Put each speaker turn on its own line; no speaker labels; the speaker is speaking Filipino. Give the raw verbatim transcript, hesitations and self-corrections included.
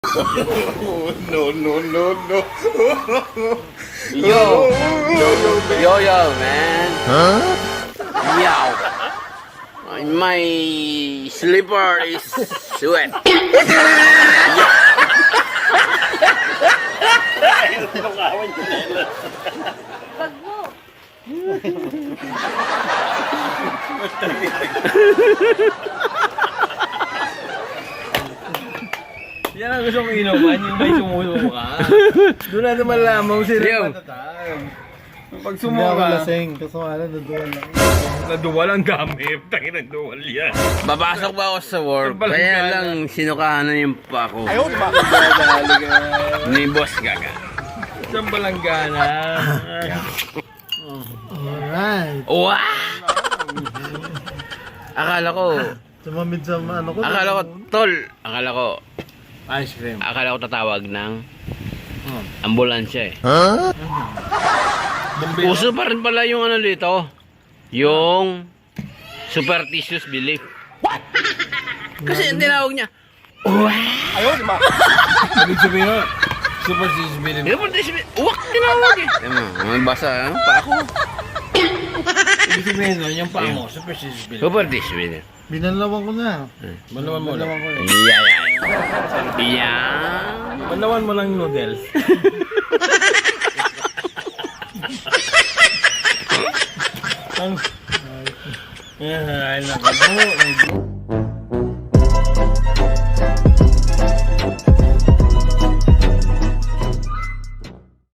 No, no, no, no.
Yo! Yo, yo, man!
Huh?
Yo! My slipper is wet.
Wag mo.
Yan ang gusto kong inuman, yung may sumuso ka. Doon natin malaman sila
Yo.
matatag. Pag
Hindi ako
sumuka,
lasing. Kaso nga lang, naduwan lang.
naduwal ang gamit. Tangin ang duwal yan.
Babasok ba ako sa work?
Ang balangga
Kaya
na.
lang sinukahan na yung pa ko. Ni Boss Gaga.
Isang balanggana.
Alright.
Wow! Akala ko,
Tumamid sa ano ko.
akala ko, tol, akala ko,
Ice cream.
akala ko tatawag ng ambulansya eh.
Huh?
Uso pa rin pala yung ano dito, yung superstitious belief. What? Kasi ang tinawag niya,
Ibig sabihin nun, superstitious belief.
superstitious belief, uwak tinawag eh. Tama, may basa, ano, pa ako.
Ibig sabihin nun, yung paa mo, superstitious belief.
Superstitious belief.
Binalawan ko na.
Banawan mo
Binalawan
lang.
ko eh.
Yeah, yeah. Yeah.
Banawan mo lang noodles. Ang... Yan, ay nakabo.